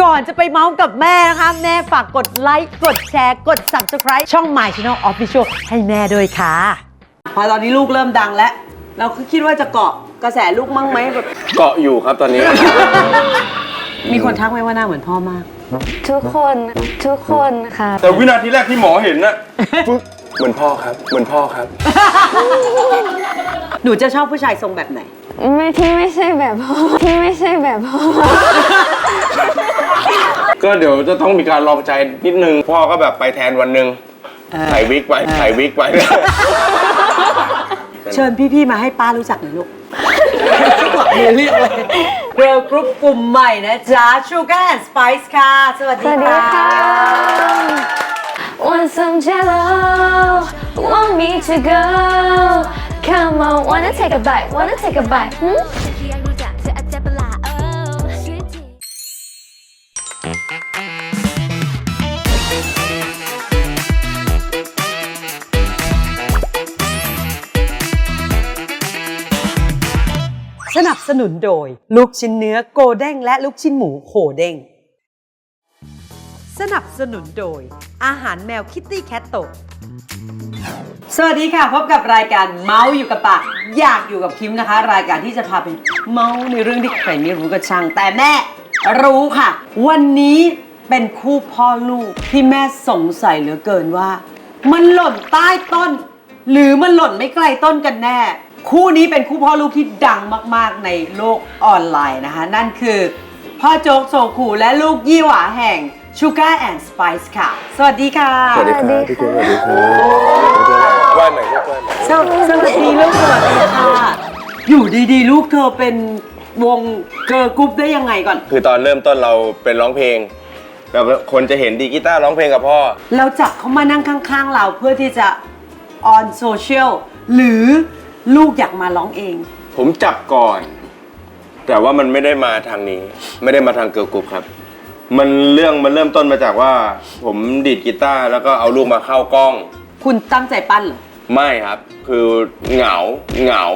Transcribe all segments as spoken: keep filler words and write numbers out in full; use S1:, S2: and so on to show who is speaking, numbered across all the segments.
S1: ก่อนจะไปเมาส์กับแม่นะคะแม่ฝากกดไลค์กดแชร์กด ซับสไครบ์ ช่อง My Channel Official ให้แม่ด้วยค่ะพอตอนนี้ลูกเริ่มดังแล้วเราก็คิดว่าจะเกาะกระแสลูกมั่งไหมแบบ
S2: เกาะอยู่ครับตอนนี้
S1: มีคนทักไหมว่าหน้าเหมือนพ่อมาก
S3: ทุกคนทุกคนค่ะ
S2: แต่วินาทีแรกที่หมอเห็นนะปึ๊บเหมือนพ่อครับเหมือนพ่อครับ
S1: หนูจะชอบผู้ชายทรงแบบไหน
S3: ไม่ที่ไม่ใช่แบบพ่อที่ไม่ใช่แบบพ่อ
S2: ก็เดี๋ยวจะต้องมีการลองใจนิดนึงพ่อก็แบบไปแทนวันหนึ่งใส่วิกไปใส่วิกไป
S1: เชิญพี่ๆมาให้ป้ารู้จักหน่อยลูกเรียกเลยเกิร์ลกรุ๊ปกลุ่มใหม่นะจ๊ะ Sugar and Spice ค่ะสวัสดีค่ะ
S3: Want some jello Want me to go Come on Wanna take a bite Wanna take a bite hmm?
S1: สนับสนุนโดยลูกชิ้นเนื้อโกเด้งและลูกชิ้นหมูโหเด้งสนับสนุนโดยอาหารแมวคิตตี้แคทโตสวัสดีค่ะพบกับรายการเมาส์อยู่กับปากอยากอยู่กับคิมนะคะ รายการที่จะพาไปเมาส์ในเรื่องที่ใครไม่รู้ก็ช่างแต่แม่รู้ค่ะวันนี้เป็นคู่พ่อลูกที่แม่สงสัยเหลือเกินว่ามันหล่นใต้ต้นหรือมันหล่นไม่ไกลต้นกันแน่คู่นี้เป็นคู่พ่อลูกที่ดังมากๆในโลกออนไลน์นะคะนั่นคือพ่อโจ๊กโซคูและลูกยี่หวาแห่ง Sugar and Spice ค่ะสวัสดีค่ะ
S2: สวัสดีครับพี่เก๋สวัสดีครับไหว้ใหม่ลูกไหว้ใหม่
S1: สวัสดีลูกสวัสดีค่ะอยู่ดีๆลูกเธอเป็นวงเกิร์ลกรุ๊ปได้ยังไงก่อน
S2: คือตอนเริ่มต้นเราเป็นร้องเพลงแล้วคนจะเห็นดีกีตาร์ร้องเพลงกับพ่อ
S1: เราจับเขามานั่งข้างๆเราเพื่อที่จะออนโซเชียลหรือลูกอยากมาร้องเอง
S2: ผมจับก่อนแต่ว่ามันไม่ได้มาทางนี้ไม่ได้มาทางเกิร์ลกรุ๊ปครับมันเรื่องมันเริ่มต้นมาจากว่าผมดีดกีตาร์แล้วก็เอาลูกมาเข้ากล้อง
S1: คุณตั้งใจปั้นเหรอ
S2: ไม่ครับคือเหงาเหงา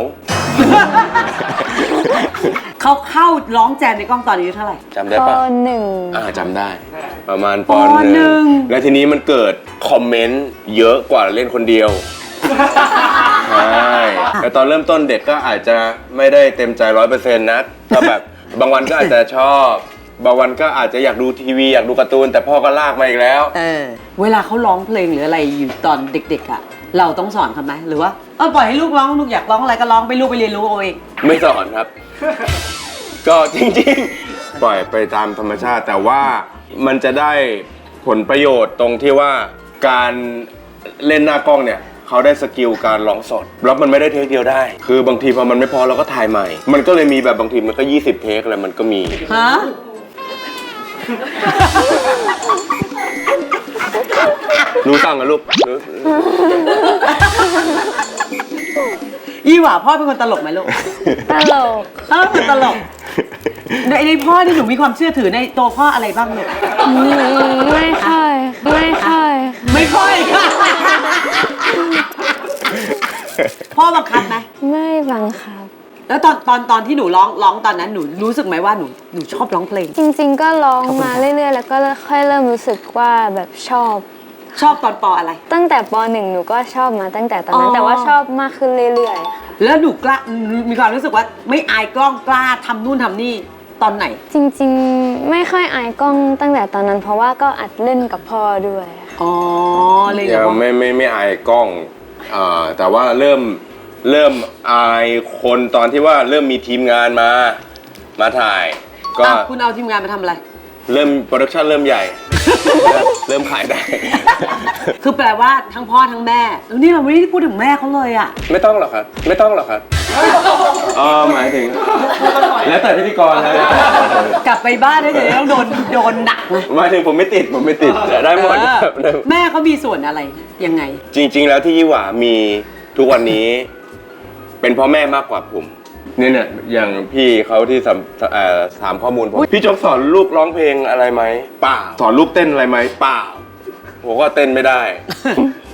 S1: เขาเข้าร้องแจมในกล้องตอนอายุเท่าไหร่
S2: จำได้ปะ
S3: ปหนึ่ง
S2: อ่าจำได้ประมาณปหนึ่งแล้วทีนี้มันเกิดคอมเมนต์เยอะกว่าเล่นคนเดียวใช่แต่ตอนเริ่มต้นเด็กก็อาจจะไม่ได้เต็มใจร้อยเปอร์เซ็นต์นะก็แบบบางวันก็อาจจะชอบบางวันก็อาจจะอยากดูทีวีอยากดูการ์ตูนแต่พ่อก็ลากมาอีกแล้ว
S1: เออเวลาเขาร้องเพลงหรืออะไรอยู่ตอนเด็กๆอ่ะเราต้องสอนเขาไหมหรือว่าเออปล่อยให้ลูกร้องลูกอยากร้องอะไรก็ร้องไปลูกไปเรียนรู้เอาเอง
S2: ไม่สอนครับ ก็จริงๆปล่อยไปตามธรรมชาติแต่ว่ามันจะได้ผลประโยชน์ตรงที่ว่าการเล่นหน้ากล้องเนี่ยเขาได้สกิลการร้องสดแล้วมันไม่ได้เทคเดียวได้คือบางทีพอมันไม่พอเราก็ถ่ายใหม่มันก็เลยมีแบบบางทีมันก็ยี่สิบเทคอะไรมันก็มี
S1: ฮะ
S2: รู้ตั้งกันลูก
S1: ยี่หว่าพ่อเป็นคนตลกไหมลูก
S3: ตลก
S1: เออเป็นตลกในในพ่อที่หนูมีความเชื่อถือในตัวพ่ออะไรบ้างลูก
S3: ไม่ค่อยไม่ค่อย
S1: ไม่ค่อยค่ะพ่อบังคับไหม
S3: ไม่บังคับ
S1: แล้วตอนตอนตอนที่หนูร้องร้องตอนนั้นหนูรู้สึกไหมว่าหนูหนูชอบร้องเพลง
S3: จริงๆก็ร้องมาเรื่อยๆแล้วก็ค่อยเริ่มรู้สึกว่าแบบชอบ
S1: ชอบตอนปออะไร
S3: ตั้งแต่ปหนึ่งหนูก็ชอบมาตั้งแต่ตอนนั้นแต่ว่าชอบมากขึ้นเรื่อยๆค่ะ
S1: แล้วหนูกล้ามีความรู้สึกว่าไม่อายกล้องกล้าทำนู่นทำนี่ตอนไหน
S3: จริงๆไม่ค่อยอายกล้องตั้งแต่ตอนนั้นเพราะว่าก็อัดเล่นกับพ่อด้วย
S1: อ๋อเลย
S2: ยังไม่ไม่ไม่อายกล้องอ่าแต่ว่าเริ่มเริ่มอายคนตอนที่ว่าเริ่มมีทีมงานมามาถ่าย
S1: ก็คุณเอาทีมงานมาทำอะไร
S2: เริ่มโปรดักชั่นเริ่มใหญ่เริ่มขายได้
S1: คือแปลว่าทั้งพ่อทั้งแม่แล้วนี่เราไม่ได้พูดถึงแม่เขาเลยอ่ะ
S2: ไม่ต้องหรอกครับไม่ต้องหรอกครับอ๋อหมายถึงแล้วแต่พิธีกรแล้ว
S1: กลับไปบ้านได้เลยต้องโดนโดนหนักนะ
S2: หมายถึงผมไม่ติดผมไม่ติดได้หมด
S1: แม่เขามีส่วนอะไรยังไง
S2: จริงๆแล้วที่ยี่หว่ามีทุกวันนี้เป็นพ่อแม่มากกว่าผมเนี่ยเนี่ยอย่างพี่เขาที่ถามข้อมูลผมพี่โจ๊กสอนลูกร้องเพลงอะไรไหมเปล่าสอนลูกเต้นอะไรไหมเปล่าผมก็เต้นไม่ได้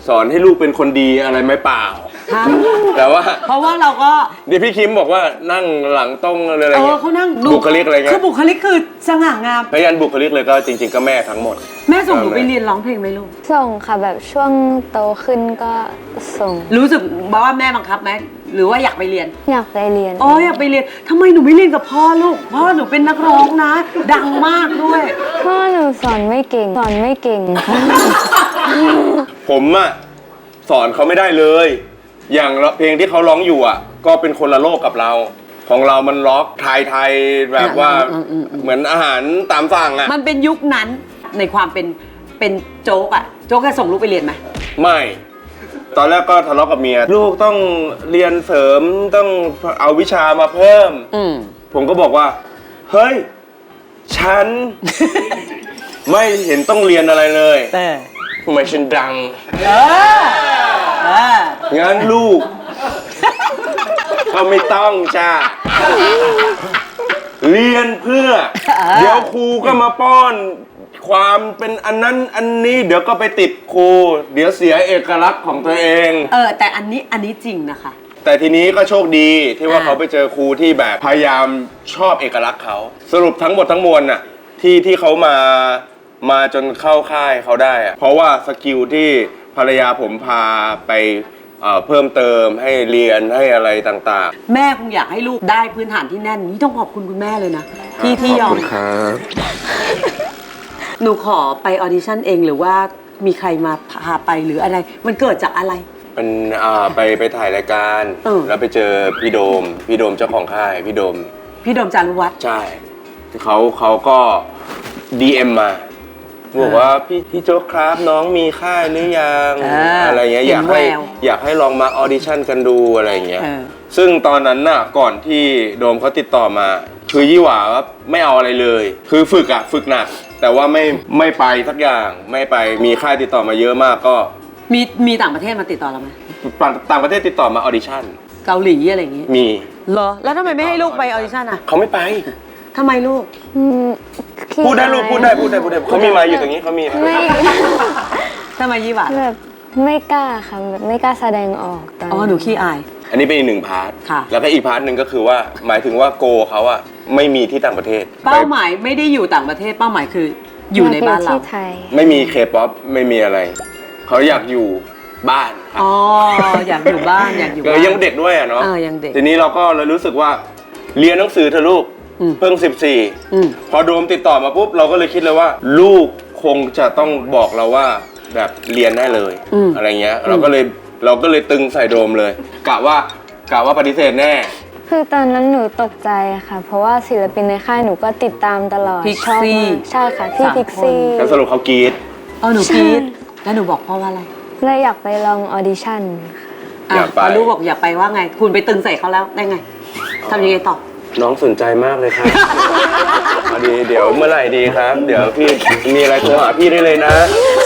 S2: สอนให้ลูกเป็นคนดีอะไรไหมเปล่า
S1: ค่ะ
S2: แต่ว่า
S1: เพราะว่าเราก็
S2: เดี๋ยวพี่คิมบอกว่านั่งหลังตรงอะไร
S1: เออ
S2: เงี้ย
S1: เขานั่ง
S2: บุคลิกอะไรเงี้
S1: คือย บุคลิกคือสง่างาม
S2: พยานบุคลิกเลยก็จริง ๆ ก็แม่ทั้งหมด
S1: แม่ส่งหนูไปเรียนร้องเพลงไหมลูก
S3: ส่งค่ะแบบช่วงโตขึ้นก็ส่ง
S1: รู้สึกว่าแม่บังคับไหมหรือว่าอยากไปเรียน
S3: อยากไปเรียน
S1: อ๋ออยากไปเรียนทำไมหนูไม่เรียนกับพ่อลูกพ่อหนูเป็นนักร้องนะ ดังมากด้วย
S3: พ่อหนูสอนไม่เก่ง สอนไม่เก่งค่ะ
S2: ผมอะสอนเขาไม่ได้เลย อย่างเพลงที่เขาร้องอยู่อะก็เป็นคนละโลกกับเรา ของเรามันล็อกไทยไทยๆแบบว่า
S1: อืมอืมอืม
S2: เหมือนอาหารตามสั่งอะ
S1: มันเป็นยุคนั้นในความเป็นเป็นโจ๊กอะโจ๊กจะส่งลูกไปเรียนไหม
S2: ไม่ ตอนแรกก็ทะเลาะกับเมีย ลูกต้องเรียนเสริมต้องเอาวิชามาเพิ่ม
S1: อืม
S2: ผมก็บอกว่า เฮ้ย ฉัน ไม่เห็นต้องเรียนอะไรเลย
S1: แต่
S2: ทำไมฉันดัง
S1: เออเออ
S2: งั้นลูก ก็ไม่ต้องจ้าเรียนเพื่อ เดี๋ยวครูก็มาป้อน ความเป็นอันนั้นอันนี้เดี๋ยวก็ไปติดครู เดี๋ยวเสียเอกลักษณ์ของตัวเอง
S1: เออแต่อันนี้อันนี้จริงนะคะ
S2: แต่ทีนี้ก็โชคดีที่ว่า
S1: อ่า
S2: เขาไปเจอครูที่แบบพยายามชอบเอกลักษณ์เขา สรุปทั้งหมดทั้งมวลน่ะที่ที่เขามามาจนเข้าค่ายเขาได้อะเพราะว่าสกิลที่ภรรยาผมพาไปเอ่อเพิ่มเติมให้เรียนให้อะไรต่าง
S1: แม่คงอยากให้ลูกได้พื้นฐานที่แน่นนี่ต้องขอบคุณคุณแม่เลยนะ
S2: ๆ
S1: ที่ที่ยอ
S2: ขบ
S1: ม
S2: คุณครับ
S1: หนูขอไปออดิชั่นเองหรือว่ามีใครมาพาไปหรืออะไร มันเกิดจากอะไร
S2: มันอ่าไปไปถ่ายรายการ
S1: เออ
S2: แล้วไปเจอพี่โดมพี่โดมเจ้าของค่ายพี่โดม
S1: พี่โดมจารุวัฒน์
S2: ใช่เขาเขาก็ ดี เอ็ม มาบอกว่าพี่พี่โจ๊กครับน้องมีค่ายหรือยัง
S1: อ่า
S2: อะไรเงี้ยอ
S1: เห็
S2: ยาน ก
S1: แว
S2: ให้
S1: ว
S2: อยากให้ลองมาออดิชั่นกันดูอะไรเงี้ย
S1: เออ
S2: ซึ่งตอนนั้นน่ะก่อนที่โดมเขาติดต่อมาคือยี่หว่าว่าไม่เอาอะไรเลย คือฝึกอะฝึกหนัก แต่ว่าไม่ไม่ไปสักอย่างไม่ไปมีค่ายติดต่อมาเยอะมากก็
S1: มีมีต่างประเทศมาติดต่อเราไหม
S2: ต่างต่างประเทศติดต่อมาออดิชั่น
S1: เกาหลีอะไรอย่างงี้
S2: มี
S1: เหรอแล้วทำไมไม่ให้ลูกไปออดิชั่นอ่ะ
S2: เขาไม่ไป
S1: ทำไมลูก
S3: อืมขี้
S2: พูดได้ลูก
S3: อาย
S2: พูดได้พูดได้พูดได้เขามีไมาอยู่ตรงนี้เขามี
S3: ไม่
S1: ทำไมยี่หวา
S3: แบบไม่กล้าค่ะแบบไม่กล้าแสดงออกตอน
S1: อ๋อหนูขี้อาย
S2: อันนี้เป็นอีกหนึ่งพาร์ท
S1: ค่ะ
S2: แล้วก็อีกพาร์ทหนึ่งก็คือว่าหมายถึงว่าโกเขาอะไม่มีที่ต่างประเทศ
S1: เป้าหมายไม่ได้อยู่ต่างประเทศเป้าหมายคืออยู่ในบ้านเรา
S3: ที่ไทย
S2: ไม่มีเคป๊อปไม่มีอะไร เขาอยากอยู่บ้านครับ
S1: อ๋ออยากอยู่บ้านอยากอยู่
S2: ก็
S1: บ้าน
S2: ยังเด็กด้วยอะเนาะ
S1: เออยังเด็ก
S2: ทีนี้เราก็เลยรู้สึกว่าเรียนหนังสือเธอะลูก
S1: อืม
S2: เพิ่งสิบสี่
S1: อืม
S2: พอโดมติดต่อมาปุ๊บเราก็เลยคิดเลยว่า ลูกคงจะต้องบอกเราว่าแบบเรียนได้เลย
S1: อืม
S2: อะไรเงี้ย เราก็เลยเราก็เลยตึงใส่โดมเลยกะว่ากะว่าปฏิเสธแน่
S3: คือตอนนั้นหนูตกใจค่ะ เพราะว่าศิลปินในค่ายหนูก็ติดตามตลอด
S1: พิก
S3: ชอบ
S1: ซี่
S3: มากใช่ค่ะพี่
S1: สาม
S3: พิกซี่
S2: แล้วสรุปเขากรีด
S1: อ๋อหนู
S3: ใช่
S1: คิดแล้วหนูบอกพ่อว่าอะไร
S3: เลยอยากไปลองออดิชั่นค่ะ
S1: อ่ะ
S2: อยากไป
S1: พอลูกบอกอย่าไปว่าไง คุณไปตึงใส่เขาแล้วได้ไงทำยังไงต่อ
S2: น้องสนใจมากเลยครับ พอดีเดี๋ยวเมื่อไหร่ดีครับ เดี๋ยวพี่มีอะไรโทรหาพี่ได้เลยนะ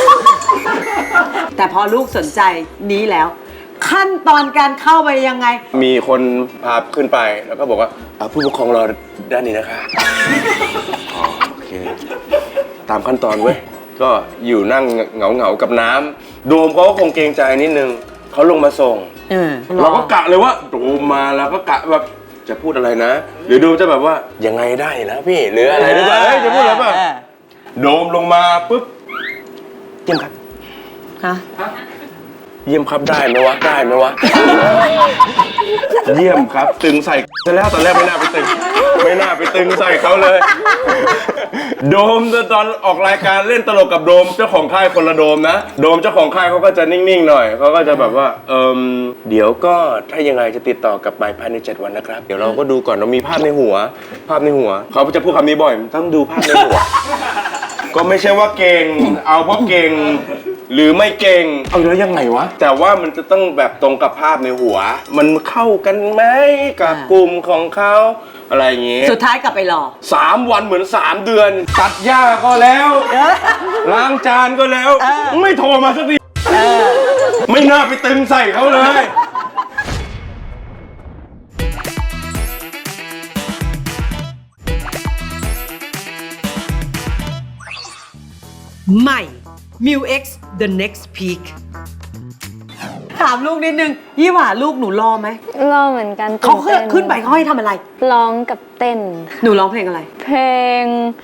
S1: แต่พอลูกสนใจนี้แล้ว ขั้นตอนการเข้าไปยังไง
S2: มีคนพาขึ้นไปแล้วก็บอกว่าอ่ะผู้ปกครองรอด้านนี้นะคะอ๋อโอเค ตามขั้นตอนเว้ย ก็อยู่นั่งเหงาเหงาๆกับน้ำโดมเขาก็คงเกรงใจนิดนึงเขาลงมาส่ง
S1: เออ
S2: เราก็กะเลยว่าโดมมาแล้วก็กะแบบจะพูดอะไรนะ หรือโดมจะแบบว่ายังไงได้นะพี่หรืออะไรหรือเปล่าเอ้ยจะพูดอะไรเปล่า โดมลงมาปุ๊บเยี่ยมครับ
S1: ฮะ
S2: เยี่ยมครับได้ไหมวะได้ไหมวะ เยี่ยมครับ ตึงใส่ซะแล้วตอนแรกไม่น่าไปตึง ไม่น่าไปตึงใส่เขาเลย โดมตอนออกรายการเล่นตลกกับโดมเจ้าของค่ายคนละโดมนะโดมเจ้าของค่ายเขาก็จะนิ่งๆหน่อยเขาก็จะแบบว่าเอิมเดี๋ยวก็ถ้ายังไงจะติดต่อกลับไปภายในเจ็ดวันนะครับเดี๋ยวเราก็ดูก่อนเรามีภาพในหัว ภาพในหัวเขาจะพูดคำนี้บ่อยต้องดูภาพในหัว ก็ไม่ใช่ว่าเก่ง เอาเพราะเก่ง หรือไม่เก่ง เอาแล้วยังไงวะ แต่ว่ามันจะต้องแบบตรงกับภาพในหัว มันเข้ากันไหมกับกลุ่มของเขาอะไรอย่างงี้
S1: สุดท้ายกลับไปรอ
S2: สามวันเหมือนสามเดือน ตัดหญ้าก็แล้วล้างจานก็แล้ว
S1: เออ
S2: ไม่โทรมาสักทีไม่น่าไปตึงใส่เขาเลย
S1: ใหม่ มิว X The Next Peak ถามลูกนิดนึงยี่หว่าลูกหนูรอไหม
S3: รอเหมือนกัน
S1: เขา
S3: ตื่ต้
S1: ขึ้นไปเขาให้ทำอะไร
S3: ร้องกับเต้นค่ะ
S1: หนูร้องเพลงอะไร
S3: เพลง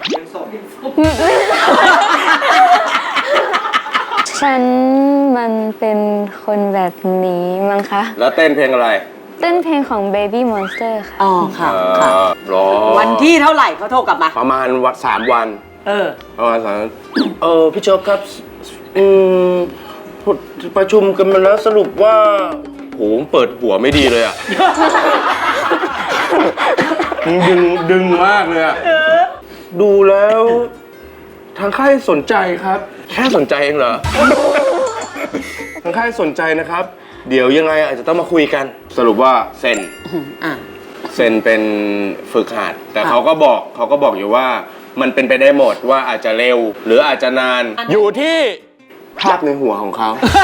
S3: ฉันมันเป็นคนแบบนี้มั้งคะ
S2: แล้วเต้นเพลงอะไร
S3: เต้นเพลงของ Baby Monster ค่ะ
S1: อ๋อค่ะ
S2: เอ
S1: ค่ะ
S2: อรอ
S1: วันที่เท่าไหร่เขาโทรกลับมา
S2: ประมาณวันสามวัน
S1: เออ
S2: ประมาณสามวันเออพี่โจ๊กครับอืมประชุมกันมาแล้วสรุปว่าโหเปิดหัวไม่ดีเลยอ่ะ ดึงดึงมากเลยอ่ะ ดูแล้ว ทางค่ายสนใจครับ แค่สนใจเองเหรอ ทางค่ายสนใจนะครับ เดี๋ยวยังไงอาจจะต้องมาคุยกัน สรุปว่าเซ็น
S1: อ่ะ
S2: เซ็นเป็นฝึกหัด แต่เขาก็บอกเขาก็บอกอยู่ว่ามันเป็นไปได้หมดว่าอาจจะเร็ว หรืออาจจะนาน อยู่ที่ภาพในหัวของเขา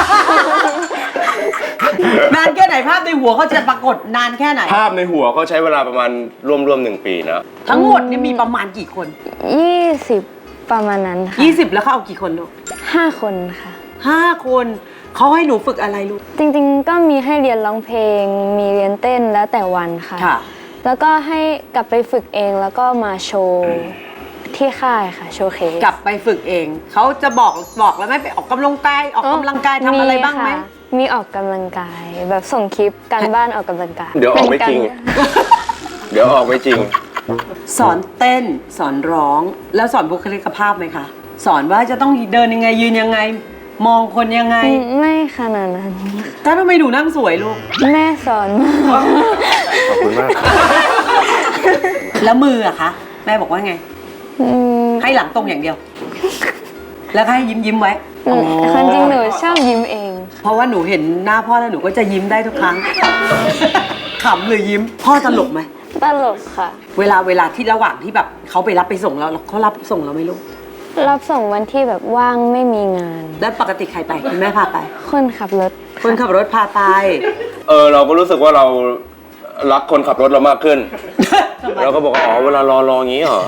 S1: นานแค่ไหนภาพในหัวเขาจะปรากฏนานแค่ไหน
S2: ภาพในหัวเขาใช้เวลาประมาณร่วมๆหนึ่งปีนะ
S1: ทั้งหมดนี่มีประมาณกี่คน
S3: ยี่สิบประมาณนั้นค่ะ
S1: ยี่สิบแล้วเขาเอากี่คนลูก
S3: ห้าคนค่ะ
S1: ห้าคนเขาให้หนูฝึกอะไรลูก
S3: จริงๆ ก็มีให้เรียนร้องเพลง มีเรียนเต้นแล้วแต่วันค่ะ
S1: ค่ะ
S3: แล้วก็ให้กลับไปฝึกเองแล้วก็มาโชว์ที่ค่ายค่ะ โชว์เคส
S1: กลับไปฝึกเอง เขาจะบอกบอกแล้วไหมไปออกกำลังกายออกกำลังกายทำอะไรบ้างไหม
S3: ค่ะมีออกกำลังกาย แบบส่งคลิปการบ้านออกกำลังกาย
S2: เดี๋ยวออกไม่จริง
S3: เป็นกา
S2: เดี๋ยวออกไม่จริง
S1: สอนเต้นสอนร้องแล้วสอนบุคลิกภาพไหมคะ สอนว่าจะต้องเดินยังไงยืนยังไง มองคนยังไง
S3: อืมไม่ขนาดนั้น
S1: ถ้าทำไมหนูนั่งสวยลูก
S3: แม่สอนมา
S2: ขอบคุณมากครับ
S1: แล้วมืออะคะแม่บอกว่าไง
S3: อืม
S1: ให้หลังตรงอย่างเดียว แล้วก็ให้ยิ้มยิ้มๆไว้
S3: อืมความจริงหนูชอบยิ้มเอง
S1: เพราะว่าหนูเห็นหน้าพ่อแล้วหนูก็จะยิ้มได้ทุกครั้ง ขำหรือยิ้ม พ่อตลกไหม
S3: ตลกค่ะ
S1: เวลาเวลาที่ระหว่างที่แบบเขาไปรับไปส่งเราเขารับส่งเราไหม่รู้
S3: รับส่งวันที่แบบว่างไม่มีงาน
S1: แล้วปกติใครไปคุณแม่พาไป
S3: คนขับรถ
S1: คนขับรถพาไป
S2: เออเราก็รู้สึกว่าเรารักคนขับรถเรามากขึ้น เราก็บอกว่าอ๋อเวลารอรออย่างนี้เหรอ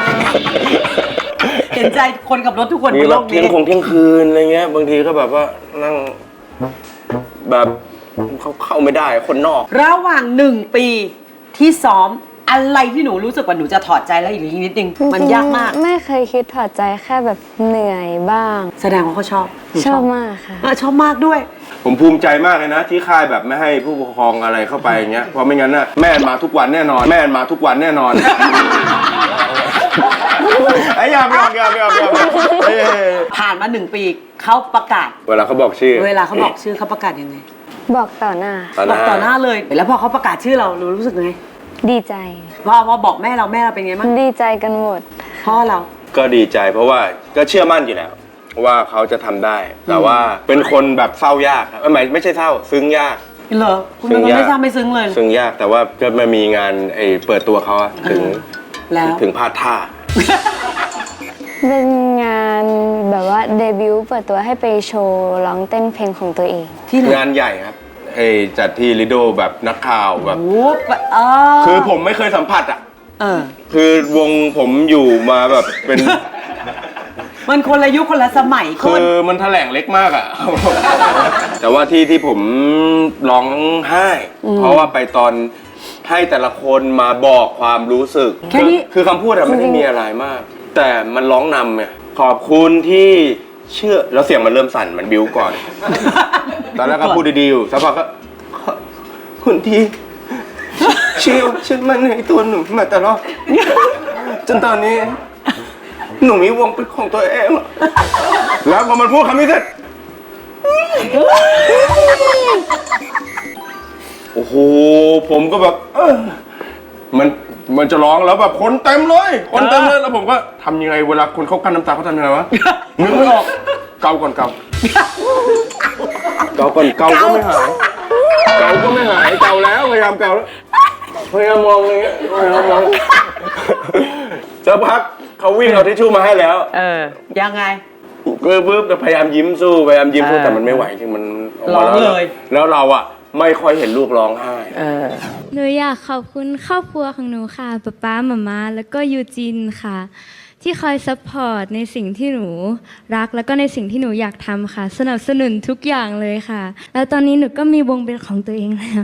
S1: เห็นใจคนขับรถทุกคนบ
S2: มี
S1: น
S2: แบ
S1: โล
S2: บ
S1: ก
S2: เที่ย
S1: นี้
S2: งคงเที่ยงคืนอะไรเงี้ยบางทีก็แบบว่านั่งแบบเขาเข้าไม่ได้คนนอก
S1: ระหว่างหนึ่งปีที่ซ้อมอะไรที่หนูรู้สึกว่าหนูจะถอดใจแล้วอีกนิดนึงมันยากมาก
S3: ไม่เคยคิดถอดใจแค่แบบเหนื่อยบ้าง
S1: แสดงว่าเขาชอบหนู
S3: ชอบมากค่ะ
S1: เออชอบมากด้วย
S2: ผมภูมิใจมากเลยนะ ที่ค่ายแบบไม่ให้ผู้ปกครองอะไรเข้าไปอย่างเงี้ยเพราะไม่งั้นน่ะแม่มาทุกวันแน่นอน แม่มาทุกวันแน่นอน ไอ้ยามยามยามยามยามเอ้ย
S1: ผ่านมาหนึ่งปีเขาประกาศ
S2: เวลาเขาบอกชื่อ
S1: เวลาเขาบอกชื่อเขาประกาศยังไง
S3: บอกต่อหน้า
S2: ต่อห
S1: บอ
S2: น้าก
S1: ต่อหน้าเลย แล้วพอเขาประกาศชื่อเราเรารู้สึกไง
S3: ดีใจ
S1: พอพอบอกแม่เราแม่เราเป็นไงบ้าง
S3: ดีใจกันหมด
S1: พ่อเรา
S2: ก็ดีใจเพราะว่าก็เชื่อมั่นอยู่แล้ว ว่าเขาจะทำได้ แต่ว่าเป็นคนแบบเศร้ายากครับไม่ไม่ใช่เศร้า ซึ้งยาก
S1: เหรอคุณเป็นคนไม่ทราบไม่ซึ้งเลย
S2: ซึ้งยากแต่ว่าก็มามีงานไอ้เปิดตัวเขาอะถึง
S1: แล้ว
S2: ถึงพลาดท่า
S3: เป็นงานแบบว่าเดบิวต์เปิดตัวให้ไปโชว์ร้องเต้นเพลงของตัวเอง
S1: ที่ไหน
S2: งานใหญ่ครับไอ้จัดที่ลิโดแบบนักข่าวแบบ
S1: โอ้โหเออ
S2: คือผมไม่เคยสัมผัสอ่ะ
S1: เออ
S2: คือวงผมอยู่มาแบบเป็น
S1: มันคนละยุคคนละสมัยค
S2: คื
S1: น
S2: อมันแถลงเล็กมากอ่ะ แต่ว่าที่ที่ผมร้องไห้ เพราะว่าไปตอนให้แต่ละคนมาบอกความรู้สึก
S1: แค่นี้
S2: คือคำพูดอะไม่ได้มีอะไรมาก แต่มันร้องนำเนี่ยขอบคุณที่เชื่อแล้วเสียงมันเริ่มสั่นมันบิ้วก่อน ตอนแรกก็พูดดีๆอยู่สักพักก็ขอบคุณที่เชื่อเชื่อมันในตัวหนูมาตลอดจนตอนนี้ หนูมีวงเป็นของตัวเองแล้วพอมันพูดคำนี้เสร็จโอ้โหผมก็แบบเออมันมันจะร้องแล้วแบบคนเต็มเลยคนเต็มเลยแล้วผมก็ทำยังไงเวลาคนเขากั้นน้ำตาเขาทำยังไงวะนึกไม่ออกเกาก่อนเกาเกาก่อนเกาก็ไม่หายเกาก็ไม่หายเกาแล้วพยายามเกาแล้วพยายามมองอย่างเงี้ยพยายามมองสักพักเขาวิ่งเอาทิชชู่มาให้แล้ว
S1: เออ ยังไง
S2: ก็ปึ๊บแต่พยายามยิ้มสู้พยายามยิ้มสู้
S1: เออ
S2: แต่มันไม่ไหวจริงมันกมา
S1: ร้องเลย
S2: แล้วเราอ่ะไม่ค่อยเห็นลูกร้องไห้
S1: เออ
S4: หนูอยากขอบคุณครอบครัวของหนูค่ะป๊าป๊าหม่าม้าแล้วก็ยูจินค่ะ ที่ที่คอยซัพพอร์ตในสิ่งที่หนูรักแล้วก็ในสิ่งที่หนูอยากทำค่ะ สนับสนุนทุกอย่างเลยค่ะ แล้วตอนนี้หนูก็มีวงเป็นของตัวเองแล้ว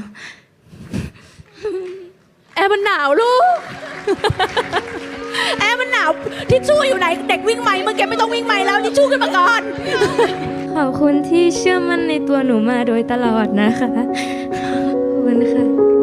S5: แอร์มันหนาวลูก แอร์มันหนาวทิชชู่อยู่ไหนเด็กวิ่งไหมเมื่อกี้ไม่ต้องวิ่งไหมแล้วทิชชู่ขึ้นมาก่อน
S4: ขอบคุณที่เชื่อมั่นในตัวหนูมาโดยตลอดนะคะ ขอบคุณค่ะ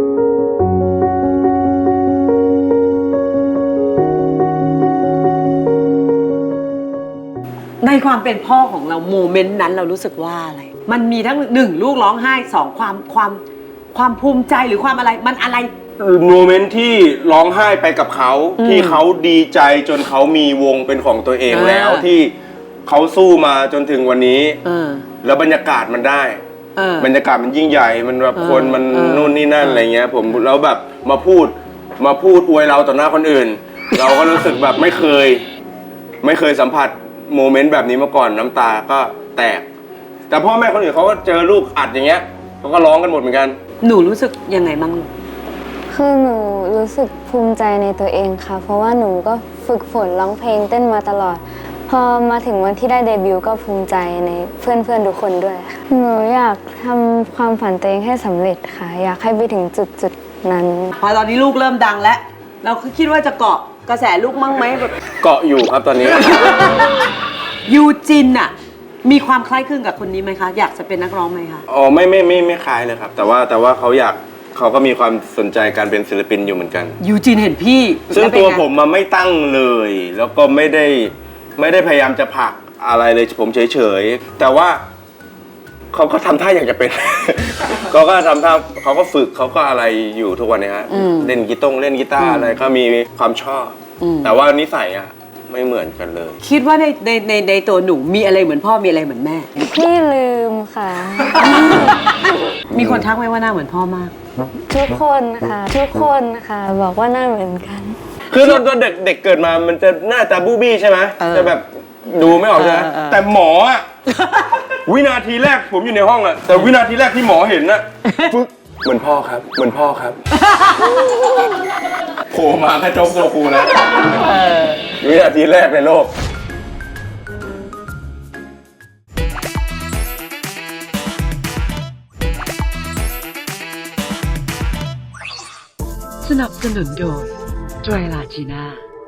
S1: ในความเป็นพ่อของเราโมเมนต์นั้นเรารู้สึกว่าอะไร มันมีทั้งหนึ่งลูกร้องไห้สองความความความภูมิใจหรือความอะไรมันอะไร
S2: โมเมนต์ที่ร้องไห้ไปกับเขา
S1: อืม
S2: ที่เขาดีใจจนเขามีวงเป็นของตัวเอง
S1: อ่า
S2: แล้วที่เขาสู้มาจนถึงวันนี้
S1: เออ
S2: แล้วบรรยากาศมันได้
S1: เออบ
S2: รรยากาศมันยิ่งใหญ่มันแบบ
S1: เออ
S2: คนมัน
S1: เออ
S2: นู่นนี่นั่น
S1: เอออ
S2: อะไรเงี้ยผมแล้วแบบมาพูดมาพูดอวยเราต่อหน้าคนอื่น เราก็รู้สึกแบบไม่เคย ไม่เคยสัมผัสโมเมนต์แบบนี้มาก่อนน้ำตาก็แตก แต่พ่อแม่คนอื่นเขาก็เจอลูกอัดอย่างเงี้ยเขาก็ร้องกันหมดเหมือนกัน
S1: หนูรู้สึกยังไงบ้างลูก
S6: คือหนูรู้สึกภูมิใจในตัวเองค่ะ เพราะว่าหนูก็ฝึกฝนร้องเพลงเต้นมาตลอด พอมาถึงวันที่ได้เดบิวต์ก็ภูมิใจในเพื่อนๆทุกคนด้วยค่ะ หนูอยากทำความฝันตัวเองให้สำเร็จค่ะ อยากให้ไปถึงจุดจุดๆนั้น
S1: พอตอนนี้ลูกเริ่มดังแล้ว เราก็คิดว่าจะเกาะกระแสลูกมั่งไหมแบบ
S2: เกาะอยู่ครับตอนนี้
S1: ยูจินอะมีความคล้ายคลึงกับคนนี้ไหมคะ อยากจะเป็นนักร้องไหมคะ
S2: อ๋อไม่ไม่ไม่ไม่คล้ายเลยครับ แต่ว่าแต่ว่าเขาอยากเขาก็มีความสนใจการเป็นศิลปินอยู่เหมือนกัน
S1: ยูจินเห็นพี่
S2: ซึ่ง
S1: แล้เป็น
S2: ตัว
S1: ไ
S2: ผมมาไม่ตั้งเลย แล้วก็ไม่ได้ไม่ได้พยายามจะผลักอะไรเลยผมเฉยๆแต่ว่าเขาก็ทำท่าอยากจะเป็น เขาก็ทำท่าเขาก็ฝึกเขาก็อะไรอยู่ทุกวันนี้ฮะ
S1: อืม
S2: เล่นกีตงเล่นกีตาร์อะไรก็มีความชอบ
S1: อืม
S2: แต่ว่านิสัยอะไม่เหมือนกันเลย
S1: คิดว่าในในในในตัวหนูมีอะไรเหมือนพ่อมีอะไรเหมือนแม่
S6: พี่ลืมค่ะ
S1: มีคนทักไหมว่าหน้าเหมือนพ่อมาก
S6: ทุกคนค่ะ ทุกคนค่ะ บอกว่าหน่าเหมือนกัน
S2: คือตอนตอนเด็กเด็กเกิดมามันจะหน้าตาบูบี้ใช่ไหม
S1: เออ
S2: จะแบบดูไม่ออกใช่ไหม
S1: เออเออ
S2: แต่หมออะ วินาทีแรกผมอยู่ในห้องอะแต่วินาทีแรกที่หมอเห็นอะฟึกเหมือนพ่อครับ เหมือนพ่อครับโผล่มาแค่โจ๊กโซคูแล้ววินาทีแรกในโลก
S1: สนับสนุนโดยไตรลาจีน่า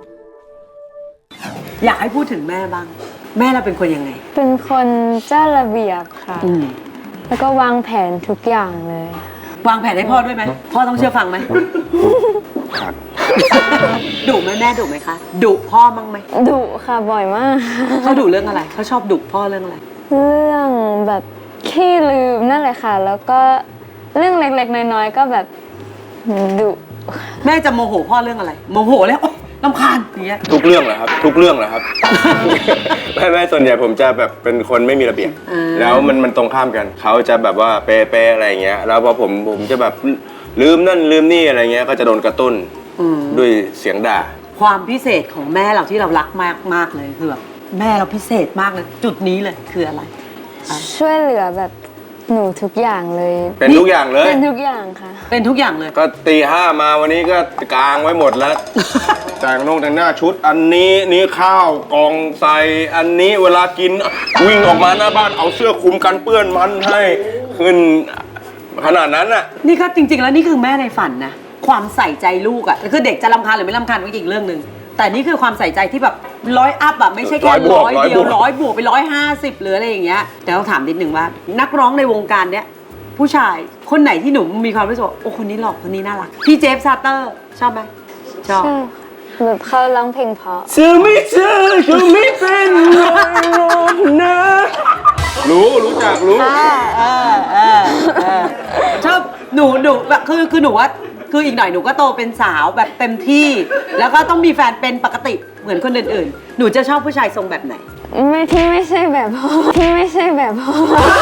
S1: อยากให้พูดถึงแม่บ้าง แม่เราเป็นคนยังไง
S6: เป็นคนเจ้าระเบียบค่ะ
S1: อืม
S6: แล้วก็วางแผนทุกอย่างเลย
S1: วางแผนให้พ่อด้วยไหมพ่อต้องเชื่อฟังไหม
S2: ครับ
S1: ดุไหมแม่ดุไหมคะดุพ่อมั้งไหม
S6: ดุค่ะบ่อยมาก
S1: เขาดุเรื่องอะไรเขาชอบดุพ่อเรื่องอะไร
S6: เรื่องแบบขี้ลืมนั่นแหละค่ะ แล้วก็เรื่องเล็กๆน้อยๆก็แบบดุ
S1: แม่จะโมโหพ่อเรื่องอะไร โมโหแล้วโอ๊ยรำคาญอย่างเงี้ย
S2: ทุกเรื่องเหรอครับ ทุกเรื่องเหรอครับ ไม่ไม่ส่วนใหญ่ผมจะแบบเป็นคนไม่มีระเบียบ
S1: อ่า
S2: แล้วมันมันตรงข้ามกันเขาจะแบบว่าเป๊ะๆอะไรอย่างเงี้ยแล้วพอผมผมจะแบบลืมนั่นลืมนี่อะไรเงี้ยก็จะโดนกระตุ้น
S1: อืม
S2: ด้วยเสียงด่า
S1: ความพิเศษของแม่เราที่เรารักมากมากๆเลยคือแบบแม่เราพิเศษมากเลย จุดนี้เลยคืออะไร
S6: ช่วยเหลือแบบหนูทุกอย่างเลย
S2: เป็นทุกอย่างเลย
S6: เป็นทุกอย่างค่ะ
S1: เป็นทุกอย่างเลย
S2: ก็ตีห้ามาวันนี้ก็กางไว้หมดแล้ว แต่งนงแต่งหน้าชุด อันนี้นี้ข้าวกองใส่อันนี้เวลากินวิ่งออกมาหน้าบ้านเอาเสื้อคลุมกันเปื้อนมันให้ขึ้นขนาดนั้นน่ะ
S1: นี่ก็จริง ๆ แล้วนี่คือแม่ในฝันนะความใส่ใจลูกอะ่ะคือเด็กจะรำคาญหรือไม่รำคาญก็อีกเรื่องหนึ่งแต่นี่คือความใส่ใจที่แบบร้อยอัพอะไม่ใช่แค่
S2: ร้อยบวก
S1: ร้อย
S2: ร้อย
S1: เดียว
S2: บวก
S1: ร้อยบวกไปร้อยห้าสิบหรืออะไรอย่างเงี้ยแต่ต้องถามนิดนึงว่า นักร้องในวงการเนี้ยผู้ชายคนไหนที่หนูมีความรู้สึกว่าโอ้คนนี้หล่อคนนี้น่ารักพี่เจฟซาเตอร์ชอบไหมชอบ
S6: ใช่ค่ะแบบเขาร้องเพลงเพราะ
S2: จะไม่เจอจะไม่เป็นไรหรอกนะรู้รู้จักรู้
S1: เออเออเออเออชอบหนูหนูแบบคือคือหนูว่าคืออีกหน่อยหนูก็โตเป็นสาวแบบเต็มที่ แล้วก็ต้องมีแฟนเป็นปกติเหมือนคนอื่นๆ หนูจะชอบผู้ชายทรงแบบไหน
S6: ไม่ที่ไม่ใช่แบบพ่อที่ไม่ใช่แบบพ่อ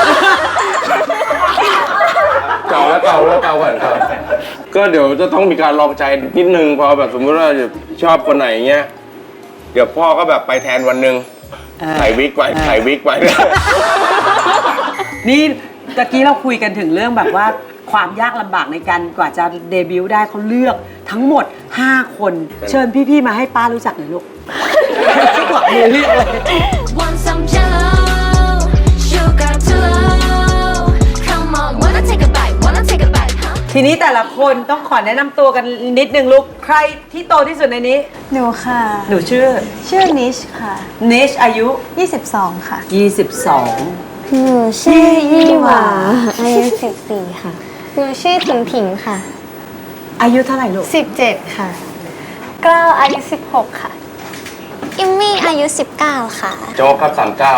S2: เก่าแล้วเก่าแล้วเก่าก่อนครับ ก็เดี๋ยวจะต้องมีการลองใจนิดนึงพอแบบสมมติว่าชอบคนไหนเงี้ยเดี๋ยวพ่อก็แบบไปแทนวันหนึ่ง
S1: เออ
S2: ใส่วิกไป
S1: เออ
S2: ใส่วิกไป
S1: นี่ตะกี้เราคุยกันถึงเรื่องแบบว่าความยากลำบากในการกว่าจะเดบิวต์ได้เขาเลือกทั้งหมด ห้า คน เชิญพี่ๆมาให้ป้ารู้จักหน่อยลูกที่กว่ามือเลือกเลย
S3: Want some jello, sugar too low. Come on, wanna take a bite, wanna take a bite, huh?
S1: ทีนี้แต่ละคนต้องขอแนะนำตัวกันนิดนึงลูกใครที่โตที่สุดในนี้
S7: หนูค่ะ
S1: หนูชื่อ
S7: ชื่อนิชค่ะ
S1: เนชอายุ
S7: ยี่สิบสองค่ะ
S1: ยี่สิบสอง
S6: หนูชื่อยี่หวาอายุสิบสี่ค่ะ หนูชื่อถิงถิงค่ะ
S1: อายุเท่าไหร่ลูก
S7: สิบเจ็ดค่ะ
S6: กล้าวอายุสิบหกค่ะ อิมมี่อายุสิบเก้าค่ะ
S2: โจ๊กครับสามเก้า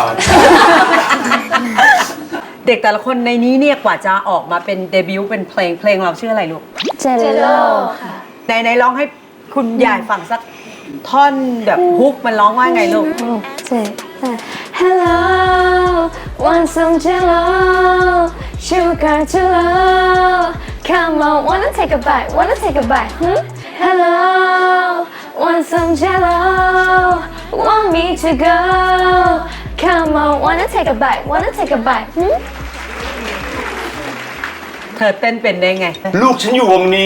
S1: เด็กแต่ละคนในนี้เนี่ยกว่าจะออกมาเป็นเดบิวต์เป็นเพลงเพลงเราชื่ออะไรลูก
S6: เจลโลค่ะ
S1: ไหนไหนร้องให้คุณยายฟังสักท่อนแบบฮุกมันร้องว่าไงลูก
S6: เจ Hello want some jello sugar too low come on wanna take a bite wanna take a bite hmm? Hello want some jello want me to go come on wanna take a bite wanna take a bite hmm?
S1: เธอเต้นเป็นได้ไง
S2: ลูกฉันอยู่วงนี้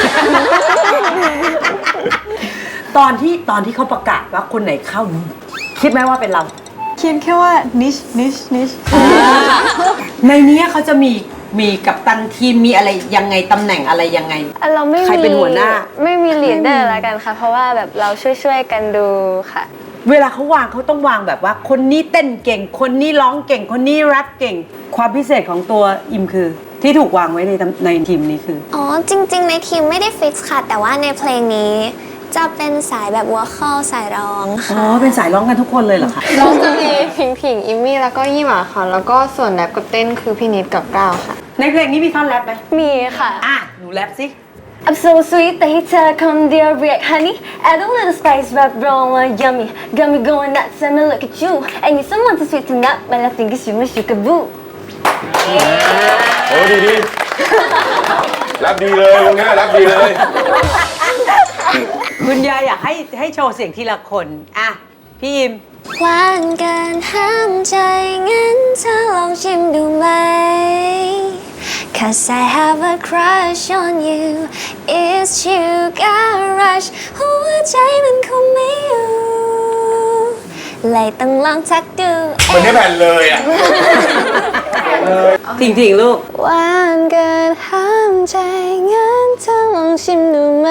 S1: ตอนที่ตอนที่เขาประกาศว่าคนไหนเข้า คิดไหมว่าเป็นเรา
S7: เขียนแค่ว่านิชนิชนิช
S1: ในนี้เขาจะมีมีกัปตันทีมมีอะไรยังไงตำแหน่งอะไรยังไง
S6: เราไม่มี
S1: ใครเป็นหัวหน้า
S6: ไม่มีลีดเดอร์แล้วกันค่ะ เพราะว่าแบบเราช่วยๆกันดูค่ะ
S1: เวลาเขาวางเขาต้องวางแบบว่า คนนี้เต้นเก่ง คนนี้ร้องเก่ง คนนี้แรปเก่ง ความพิเศษของตัวอิมคือ ที่ถูกวางไว้ในตำในทีมนี้คือ
S8: อ๋อ จริงๆ ในทีมไม่ได้ฟิกซ์ค่ะ แต่ว่าในเพลงนี้จะเป็นสายแบบวอลคอลสายร้อง
S1: อ๋อ
S8: ค่ะ
S1: เป็นสายร้องกันทุกคนเลยเหรอคะ
S6: เราจะมีผิงผิงอิมมี่แล้วก็ยี่หมาค่ะ แล้วก็ส่วนแรปกับเต้นคือพี่นิดกับก้าวค่ะ
S1: ในเพลงนี้มีท่อนแรปไหม
S6: มีค่ะ
S1: อ่ะ หนูแรปสิ
S6: I'm so sweet แต่ให้เธอคำเดียวเรียก honey add a little spice rap roll one yummy got me going nuts and I look at you I need someone to sweeten up my love think it's you my sugar boo
S2: โอ้ดีดีรับดีเลยวงนี้รับดีเลย
S1: คุณยายอยากให้ให้โชว์เสียงทีละคน อ่ะ พี่อิม
S8: หวานเกินห้ามใจงั้นเธอลองชิมดูไหม Cause I have a crush on you It's sugar rush หัวใจมันคงไม่อยู่เลยต้องลองทักดู
S2: มันได้แผ่นเลยอ่ะ
S1: จริงๆ ลูก
S6: หวานเกินห้ามใจงั้นเธอลองชิมดูไหม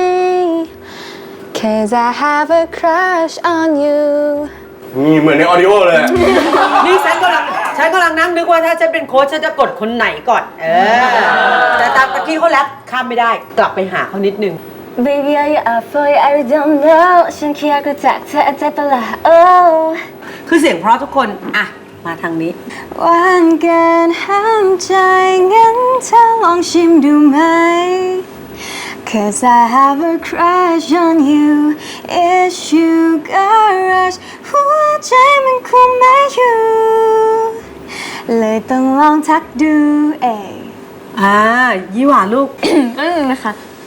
S6: Cause I have a crush on you
S2: มีเหมือนในออดิโอเลยอะ
S1: นี่ฉันกำลังฉันกำลังนั่งนึกว่าถ้าฉันเป็นโค้ชฉันจะกดคนไหนก่อน เออ แต่ตามตะกี้เขาแรปข้ามไม่ได้ กลับไปหาเขานิดนึง
S6: Baby are you up for it I really don't know ฉันแค่อยากรู้จักเธอใจเปล่า oh
S1: คือเสียงเพราะทุกคน อ่ะ มาทางนี้
S7: หวานเกินห้ามใจงั้นเธอลองชิมดูไหม Cause I have a crush on you It's sugar rush หัวใจมันคุมไม่อยู่เลยต้องลองทักดูเอง
S1: อ่า ยี่หว่าลูก
S6: ก็นึงนะคะ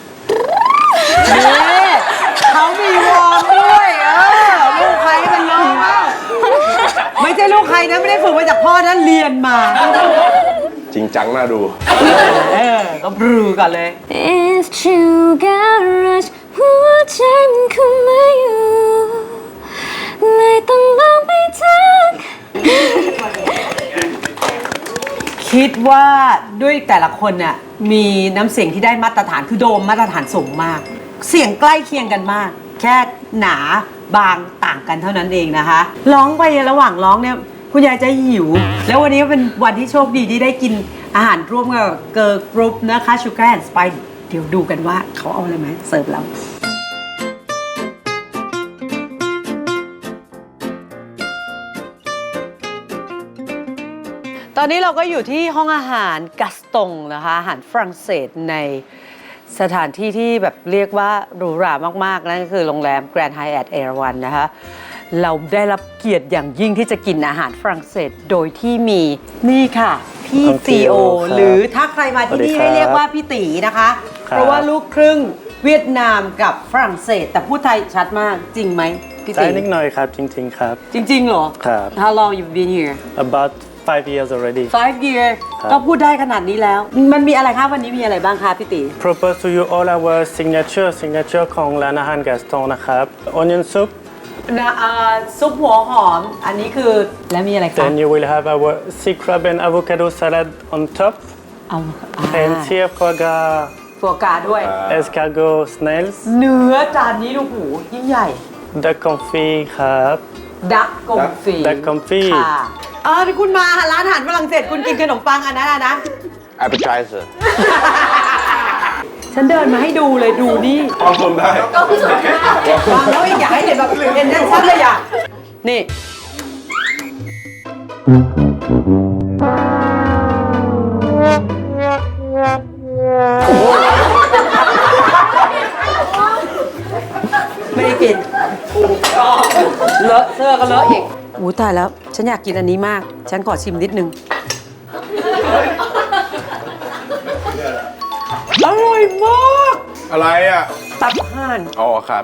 S1: นี่เขามีวอร์มด้วย เออ ลูกใครมันร้องบ้างไม่ใช่ลูกใครนะ ไม่ได้ฝึกมาจากพ่อนะเรียนมา
S2: จริงจังน่าดู
S1: เออ ก็บรูก่อนเลย
S6: It's sugar rush หัวใจมันคุมไม่อยู่เลยต้องลองไปทัก
S1: คิดว่าด้วยแต่ละคนน่ะมีน้ำเสียงที่ได้มาตรฐานคือโดมมาตรฐานสูงมาก เสียงใกล้เคียงกันมาก แค่หนาบางต่างกันเท่านั้นเองนะคะร้องไประหว่างร้องเนี่ยคุณยายจะหิว แล้ววันนี้เป็นวันที่โชคดีที่ได้กินอาหารร่วมกับเกิร์ลกรุ๊ปนะคะ Sugar and Spice เดี๋ยวดูกันว่าเขาเอาอะไรมาเสิร์ฟเรา ตอนนี้เราก็อยู่ที่ห้องอาหารกัสตงนะคะอาหารฝรั่งเศสในสถานที่ที่แบบเรียกว่าหรูหรามากๆนั่นก็คือโรงแรม Grand Hyatt เอราวัณนะคะเราได้รับเกียรติอย่างยิ่งที่จะกินอาหารฝรั่งเศสโดยที่มีนี่ค่ะ พี่
S9: น้อง
S1: ซีโอ
S9: ครับ
S1: หรือถ้าใครมาที่นี่
S9: สวัสดีครับ
S1: ให้เรียกว่าพี่ตีนะคะ
S9: ครับ
S1: เพราะว่าลูกครึ่งเวียดนามกับฝรั่งเศส แต่พูดไทยชัดมากจริงไหมพี่
S9: ใช่
S1: ตี
S9: นิดหน่อยครับ จริง ๆ ครับ
S1: จริงๆเหรอ
S9: ครับ
S1: How long you've been here
S9: about five years already.
S1: five year ก็พูดได้ขนาดนี้แล้ว มันมีอะไรคะวันนี้มีอะไรบ้างคะพี่ตี
S9: Propose to you all our signature signature ของร้านอาหาร Gaston นะครับ Onion soup
S1: นะเอ่อซุปหัวหอม อันนี้คือแล้วมีอะไรคะ
S9: then you will have our sea crab and avocado salad on top
S1: เอา
S9: and here foie gras
S1: ฟัวกราด้วย
S9: escargot snails
S1: เนื้อจานนี้ดูหูยิ่งใหญ่
S9: duck confit ครับ
S1: ดักกงฟี
S9: ดักกงฟี
S1: ค่ะเออคุณมาร้านอาหารฝรั่งเศสคุณกินขนมปังอันนั้นอะนะ
S2: appetizer
S1: ฉันเดินมาให้ดูเลยดูนี่
S2: ปลอมผมได้
S1: วางแล้วอีกอยากให้เห็นแบบเห็นชัดๆเลยอ่ะ นี่ ไม่ได้กินเลอะเสื้อก็เลอะอีกอู้ตายแล้ว ฉันอยากกินอันนี้มาก ฉันขอชิมนิดนึง อร่อยมาก
S2: อะไรอ่ะ
S1: ตับห่าน
S2: อ๋อครับ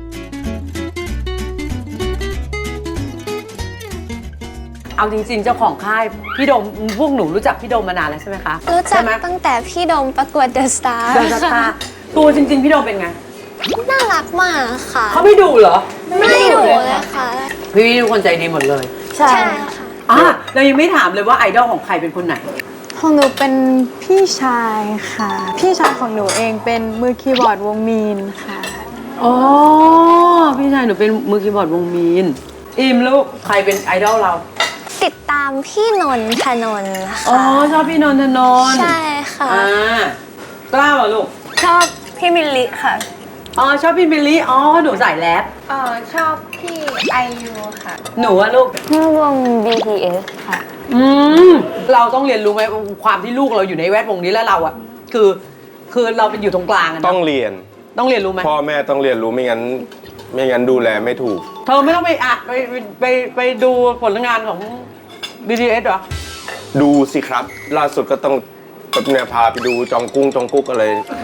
S1: เอาจริงๆ เจ้าของค่าย พี่โดมพวกหนูรู้จักพี่โดมมานานแล้วใช่ไหมคะ
S8: รู้จัก
S1: ใช่ไหม
S8: ตั้งแต่พี่โดมประกวดเดอะสตาร์
S1: เดอะสตาร์ตัวจริงๆ พี่โดมเป็นไง
S8: น่ารักมากค่ะ
S1: เขาไม่ดูเหรอ
S8: ไม่ดุเลยค่ะ
S1: พี่ทุกคนใจดีหมดเลย
S8: ใช่ค่ะ
S1: อ่ะเรายังไม่ถามเลยว่าไอดอลของใครเป็นคนไหน
S7: ของหนูเป็นพี่ชายค่ะ พี่ชายของหนูเองเป็นมือคีย์บอร์ดวงมีนค่ะ
S1: อ๋อ พี่ชายหนูเป็นมือคีย์บอร์ดวงมีน อิมลูกใครเป็นไอดอลเรา
S8: ติดตามพี่นนทนนท์
S1: อ๋อ
S8: ค่ะ
S1: ชอบพี่นนทนนท์
S8: ใช่ค่ะ
S1: อ่ากล้าเหรอลูก
S7: ชอบพี่มิลลิค่ะ
S1: อ๋อ ชอบพี่บิลลี่ อ๋อ หนูใส่แรป
S7: เอ่อชอบพี่ไอยูค่ะ
S1: หนูอะลูก
S6: เมื่อวง บี ที เอส ค่ะ
S1: อืม เราต้องเรียนรู้ไหมความที่ลูกเราอยู่ในแวดวงนี้แล้วเราอะคือ คือเราเป็นอยู่ตรงกลางอะ
S2: ต้อง
S1: เนาะ
S2: เรียน
S1: ต้องเรียนรู้ไหม
S2: พ่อแม่ต้องเรียนรู้ไม่งั้น ไม่งั้นดูแลไม่ถูก
S1: เธอไม่ต้องไปอ่ะไปไปไปไปดูผลงานของ บี ที เอส เหรอ
S2: ดูสิครับ ล่าสุดก็ต้องแบบเนี่ยพาไปดูจองกุ้งจองกุ๊กอะไร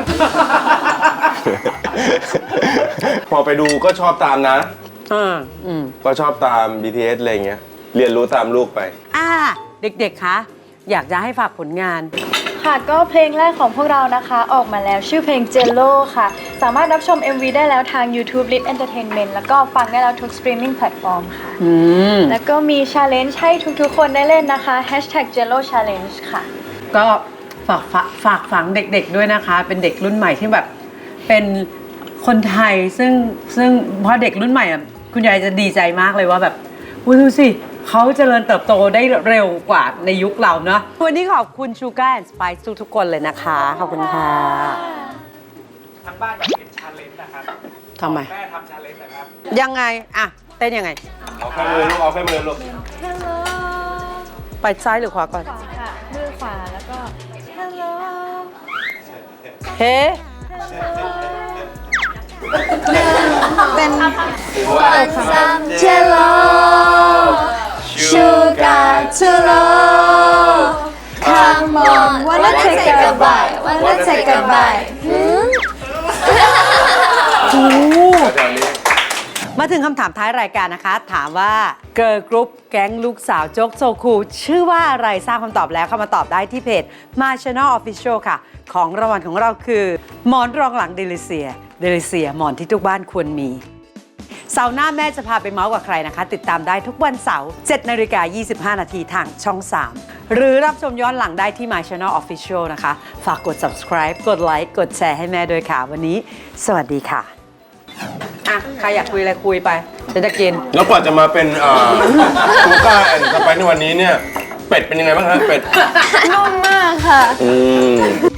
S2: พอไปดูก็ชอบตามนะ
S1: อ่า อืม
S2: ก็ชอบตาม บี ที เอส อะไรอย่างเงี้ย เรียนรู้ตามลูกไป
S1: อ่า เด็กๆ คะ อยากจะให้ฝากผลงาน
S10: ค่ะก็เพลงแรกของพวกเรานะคะออกมาแล้วชื่อเพลง Jello ค่ะ สามารถรับชม เอ็ม วี ได้แล้วทาง YouTube Lit Entertainment แล้วก็ฟังได้แล้วทุก streaming platform ค่ะ
S1: อืม
S10: แล้วก็มี challenge ให้ทุกๆ คนได้เล่นนะคะ Hashtag Jello Challenge ค่ะ
S1: ก็ฝากฝากฝากฝังเด็กๆด้วยนะคะ เป็นเด็กรุ่นใหม่ที่แบบเป็นคนไทยซึ่งซึ่งเพราะเด็กรุ่นใหม่อ่ะคุณยายจะดีใจมากเลยว่าแบบอุ๊ยดูสิเขาเจริญเติบโตได้เร็วกว่าในยุคเราเนาะวันนี้ขอบคุณ Sugar and Spice ทุกๆคนเลยนะคะ ขอบคุณค่ะ
S9: ทางบ้านอยากเห็นชาเลนจ์นะครับ
S1: ทำไม
S9: แม่ทำชาเลนจ์นะครับ
S1: ยังไงอะเต้นยังไง
S2: เอาแค่มือลูก เอาแค่มือลูก
S1: ไปซ้ายหรือขวาก่อน
S10: ค่ะ มือขวาแล้วก็ Hello
S1: เฮ้
S7: เป็น
S8: Want some Jello Sugar to low Come on wanna take a bite wanna take a bite หืม
S1: มาถึงคำถามท้ายรายการนะคะ ถามว่าเกิร์ลกรุ๊ปแก๊งลูกสาวโจ๊กโซคูชื่อว่าอะไรทราบคำตอบแล้วเข้ามาตอบได้ที่เพจ My Channel Official ค่ะ ของรางวัลของเราคือหมอนรองหลังเดลิเซียเดลิเซียหมอนที่ทุกบ้านควรมี เสาร์หน้าแม่จะพาไปเมาส์กับใครนะคะ ติดตามได้ทุกวันเสาร์เจ็ดนาฬิกายี่สิบห้านาทีทางช่องสามหรือรับชมย้อนหลังได้ที่ My Channel Official นะคะ ฝากกด subscribe กดไลค์กดแชร์ให้แม่ด้วยค่ะ วันนี้สวัสดีค่ะอ่ะใครอยากคุยอะไรคุยไปฉันจะกิน
S2: แล้วกว่าจะมาเป็นคูก้าแอนด์สไปในวันนี้เนี่ย เป็ดเป็นยังไงบ้างฮะเป็ด
S7: นุ่มมากค่ะ
S2: อืม